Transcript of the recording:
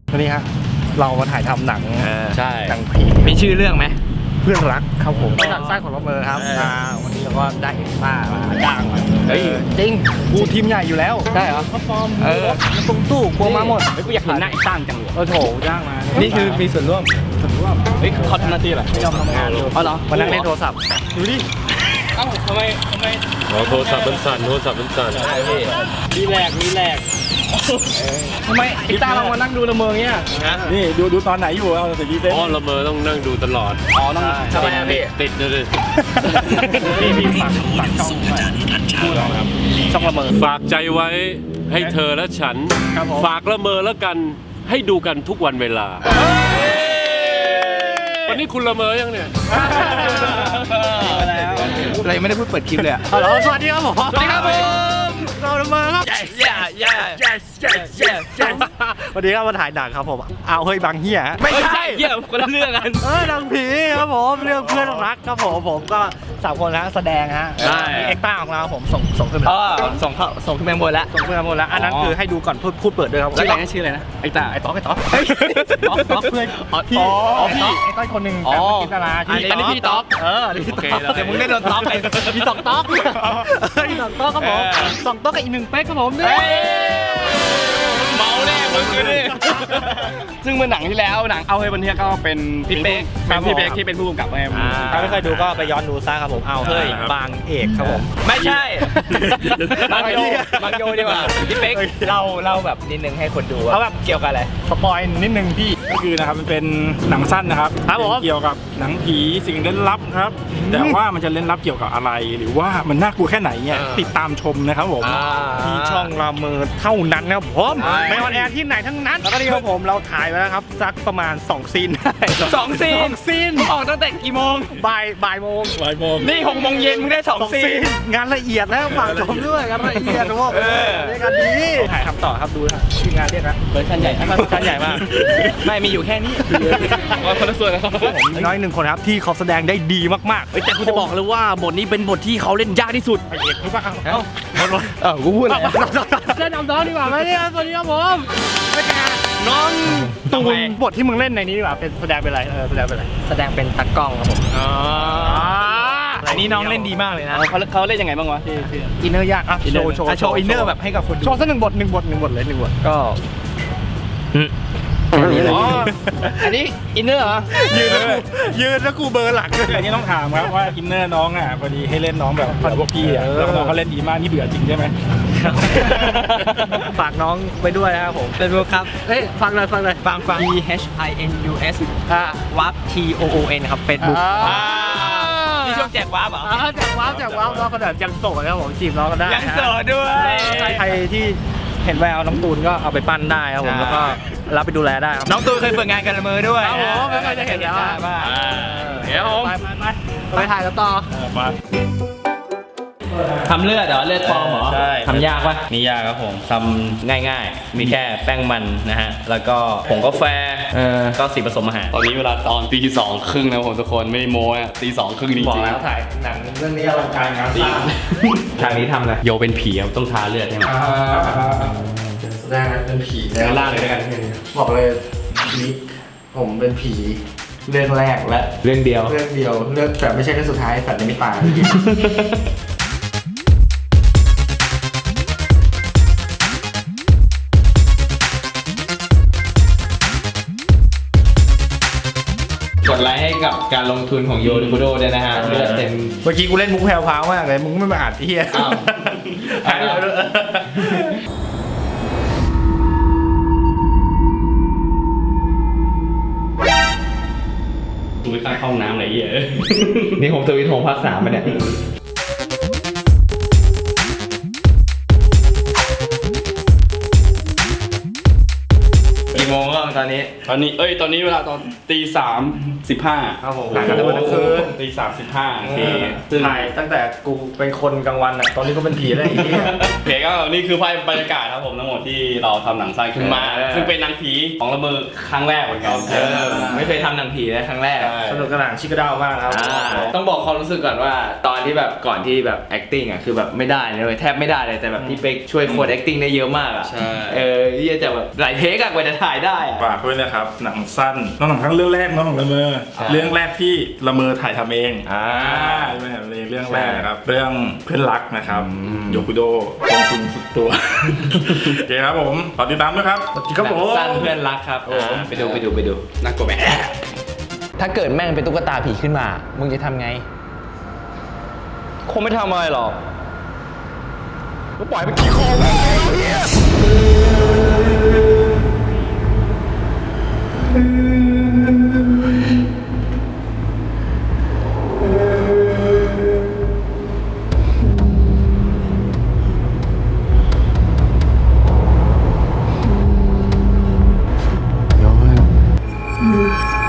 วันนี้ฮะเรามาถ่ายทำหนังใช่หนังผีมีชื่อเรื่องไหมเพื่อนรักครับผมเป็นหนังสร้างของละเมอครับวันนี้เราก็ได้เอ็กซ์ต้ามาจ้างมาเฮ้ยจริงกูทีมใหญ่อยู่แล้วใช่เหรอเขาฟอร์มตรงตู้กลัวมาหมดกูอยากเห็นหน้าไอ้ตั้งจังเลยโถจ้างมานี่คือมีส่วนร่วมเฮ้ยเขาทำหน้าที่อะไรไม่ยอมทำงานเลยอ๋อเหรอมานั่งเล่นโทรศัพท์ดูดิเอ้าทำไมโทรศัพท์มันสั่นรีแลกทำไมไอ้ตั้งเรามานั่งดูละเมอเงี้ยนี่ดูตอนไหนอยู่เอาแต่ดีเซนอ๋อละเมอต้องนั่งดูตลอดอ๋อต้องทำไมอะพี่ติดเลยพี่ฝากช่องหน่อยพูดหรอครับช่องละเมอฝากใจไว้ให้เธอและฉันครับผมฝากละเมอแล้วกันให้ดูกันทุกวันเวลา วันนี้คุณละเมอยังเนี่ยอะไรไม่ได้พูดเปิดคลิปเลยอะฮัลโหลสวัสดีครับผมสวัสดีครับผมเราละเมอครับ วันนี้ก็มาถ่ายหนังครับผมเอาเฮ้ยบางเฮียไม่ใช่เหี้ยคนละเรื่องกันหนังผีครับผมเรื่องเพื่อนรักครับผมก็3 คนนะแสดงฮะใช่มีเอ็กซ์ต้าของเราผมส่งขึ้นมาส่งขึ้นไปบนแล้วส่งขึ้นมาหมดแล้วอันนั้นคือให้ดูก่อนพูดเปิดด้วยครับชื่ออะไรนะชื่ออะไรนะไอ้ตาไอ้ต๊อกต๊อกเพื่อนพี่อ๋อพี่ไอ้ต้อยคนหนึ่งอ๋อแต่เป็นกินดาราอันนี้พี่ต๊อกอันนี้พี่โอเคต๊อกเดี๋ยวมึงได้โดนต๊อกไปมี2 ต๊อกมี2 ต๊อกครับผม2 ต๊อกกับอีก1 เป๊กครับผมนี่เมาแน่มึงเลยซึ่งเมื่อหนังที่แล้วหนังเอาให้บันเทียก็เป็นพี่เป๊กเป็นพี่เป๊กที่เป็นผู้กำกับไงถ้าไม่เคยดูก็ไปย้อนดูซะครับผมเอาเฮ้ยบางเอกครับผมไม่ใช่บางโยดีกว่าพี่เป๊กเราแบบนิดนึงให้คนดูเอาแบบเกี่ยวกับอะไรสปอยนิดนึงพี่ก็คือนะครับมันเป็นหนังสั้นนะครับครับผมเกี่ยวกับหนังผีสิ่งเล่นลับครับ แต่ว่ามันจะเล่นลับเกี่ยวกับอะไร หรือว่ามันน่ากลัวแค่ไหนเนี่ยติดตามชมนะครับผมที่ช่องละเมอเท่านั้นนะครับผมไม่ออนแอร์ที่ไหนทั้งนั้นแล้วก็นี่ครับผมเราถ่ายไปแล้วครับสักประมาณ2 ซีนได้สองซีนออกตั้งแต่กี่โมงบ่ายโมงนี่6 โมงเย็นมึงได้2 ซีนงานละเอียดแล้วฝากชมด้วยงานละเอียดนะพวกเรียกกันดีถ่ายทำต่อครับดูนะทีมงานเรียกนะเวอร์ชันใหญ่เวอร์ชันใหญ่มากไม่มีอยู่แค่นี้คนละส่วนนะครับผมน้อย1 คนครับที่เขาแสดงได้ดีมากๆแต่กูจะบอกเลยว่าบทนี้เป็นบทที่เขาเล่นยากที่สุดไอเอกรู้ป่ะกูพูดอะไรเล่นน้องดีกว่าไหมเนี่ยสวัสดีครับผมเป็นไงน้องตูนบทที่มึงเล่นในนี้ดีกว่าเป็นแสดงเป็นอะไรแสดงเป็นอะไรแสดงเป็นตากล้องครับผมอันนี้น้องเล่นดีมากเลยนะเขาเล่นยังไงบ้างวะที่อินเนอร์ยากอ่ะโชว์โชว์อินเนอร์แบบให้กับคนดูโชว์สัก1 บทเลย1 บทก็อ๋ออันนี้อินเนอร์เหรอยืนแล้วกูเบอร์หลังเลยอันนี้ต้องถามครับว่าอินเนอร์น้องอ่ะพอดีให้เล่นน้องแบบพวกพี่อ่ะแล้วน้องเขาเล่นดีมากนี่เบื่อจริงใช่ไหมฝากน้องไปด้วยนะครับผมเป็นบุ๊คครับเฮ้ยฟังเลย P H I N U S วับ T O O N ครับ Facebook นี่ช่วงแจกวาร์ปเหรอแจกว้าวน้องก็เดี๋ยวยังโสดนะครับผมจีบน้องกันได้ยังโสดด้วยใครที่เห็นแววน้องตูนก็เอาไปปั้นได้ครับผมแล้วก็รับไปดูแลได้ครับน้องตูนเคยฝึกงานกันละมือด้วยครับผมไม่เคยจะเห็นแล้วเดี๋ยวผมไปถ่ายกันต่อทำเลือดเหรอ เลือดปลอมเหรอใช่ทำยากปะนี่ยากครับผมทำง่ายๆ มีแค่แป้งมันนะฮะ แล้วก็ผงกาแฟก็สีผสมอาหารตอนนี้เวลาตอนตี 2:30นะผมทุกคนไม่ได้โม้อะตี 2:30จริงๆบอกแล้วถ่ายหนังเรื่องนี้อลังการงานสร้างทางนี้ทำอะไรโยเป็นผีครับต้องทาเลือดใช่ไหมแสดงเป็นผีแล้วล่างเลยกันบอกเลยผีผมเป็นผีเรื่องแรกและเรื่องเดียวเรื่องแต่ไม่ใช่เรื่องสุดท้ายสัตว์ในมิตรกดไลค์ให้กับการลงทุนของโยนิโคโดด้วยนะฮะ เลือดเต็มเมื่อกี้กูเล่นมุกแพรวพราวมากเลยมึงไม่มาอ่านที่เฮียอ้าวถ่ายแล้วด้วยกูไม่กล้าเข้าห้องน้ำอะไรเงี้ยนี่ผมทวิตโฮมภาค 3มาเนี่ยกี่โมงก็ตอนนี้ตอนนี้เวลาตอน3:15 ครับผมถ่ายกันทั้งวันทั้งคืน 3:15โอเคซึ่งถ่ายตั้งแต่กูเป็นคนกลางวันอ่ะตอนนี้ก็เป็นผีแล้วไอ้เหี้ยโอเคก็นี่คือภาพบรรยากาศครับผมทั้งหมดที่เราทำหนังสั้นขึ้นมา ซึ่งเป็นหนังผีของละเมอครั้งแรกเหมือนกันไม่เคยทำหนังผีเลยครั้งแรกสนุกสนานชิคกระด้าวมากครับต้องบอกความรู้สึกก่อนว่าตอนที่แบบก่อนที่แบบ acting อ่ะคือแบบไม่ได้เลยแทบไม่ได้เลยแต่แบบพี่เป๊กช่วยโค้ด acting ได้เยอะมากอ่ะใช่ที่จะแบบหลายเทคอะกว่าจะถ่ายได้อะฝากด้วยนะครับ หนังสั้นน้องหนังทั้งเรื่องแรกน้องของละเมอใช่เรื่องแรกที่ละเมอถ่ายทำเองใช่ใช่ไหมครับเรื่องแรกนะครับเรื่องเพื่อนรักนะครับโยคุโดลงทุนสุดตัว โอเคครับผมขอติดตามด้วยครับครับผมสั้นเพื่อนรักครับไปดูน่ากลัวไหมถ้าเกิดแม่งเป็นตุ๊กตาผีขึ้นมา มึงจะทำไงคงไม่ทำอะไรหรอกก็ปล่อยไปกี่คอแล้วเนี่ยเ